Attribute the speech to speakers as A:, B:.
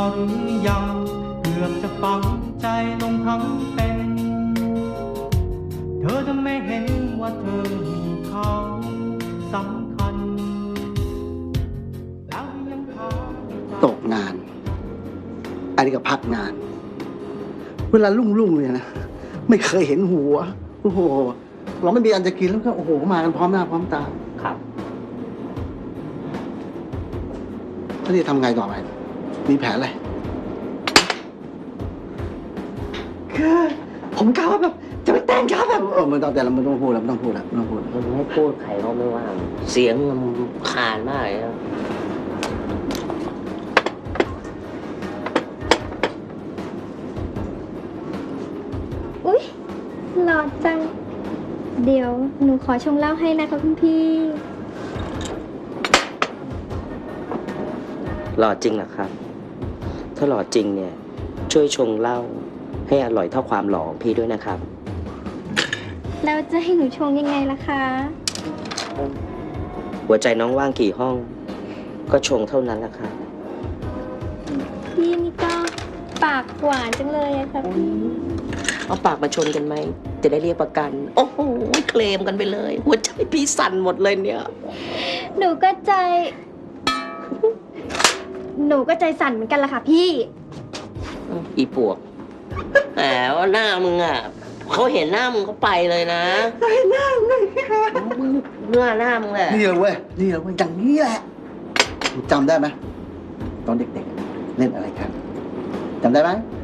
A: หรือยังเกือบจะฝังใจลงทั้งเป็น เธอจะไม่เห็นว่าเธอมีเขาสำคัญแล้วยังพา
B: ตกงาน อันนี้ก็พักงาน เวลาลุ่งๆเนี่ยนะ ไม่เคยเห็นหัว โอ้โห เราไม่มีอันจะกินแล้วก็โอ้โหมากันพร้อมหน้าพร้อมตา
C: ครับ
B: แล้วนี่ทำไงต่อไป มีแผนอะไรคือผมกะว่าแบบจะไปแต่งครับแบบมันต้องแต่เราไม่ต้องพูดแล้วไม่ต้องพูดแล้วไม่ต้องพูด
C: มันไม่พูดใครเขาไม่ว่า เสียงมันคานมากเลยนะ
D: อุ๊ยหล่อจัง เดี๋ยวหนูขอชงเหล้าให้นะคะคุณพี่
C: หล่อจริงเหรอครับ ถ้าหล่อจริงเนี่ย ช่วยชงเหล้าให้อร่อยเท่าความหล่อของพี่ด้วยนะครับ
D: แล้วจะให้หนูชงยังไงล่ะคะ
C: หัวใจน้องว่างกี่ห้อง ก็ชงเท่านั้นแหละครับ
D: พี่นี่ก็ปากหวานจังเลยอะค่ะพี่
C: เอาปากมาชนกันไหม จะได้เรียกประกัน โอ้โห เคลมกันไปเลย หัวใจพี่สั่นหมดเลยเนี่ย
D: หนูก็ใจ หนูก็ใจสั่นเหมือนกันล่ะค่ะพี่
C: อีปวกแหมว่าหน้ามึงอ่ะเขาเห็นหน้ามึงเขาไปเลยนะเห็นหน้ามึงเลยหน้ามึงแหละ
B: นี่เลยเว้ยนี่เลยเว้ยอย่างนี้แหละจำได้ไหมตอนเด็กๆเล่นอะไรกันจำได้ไหม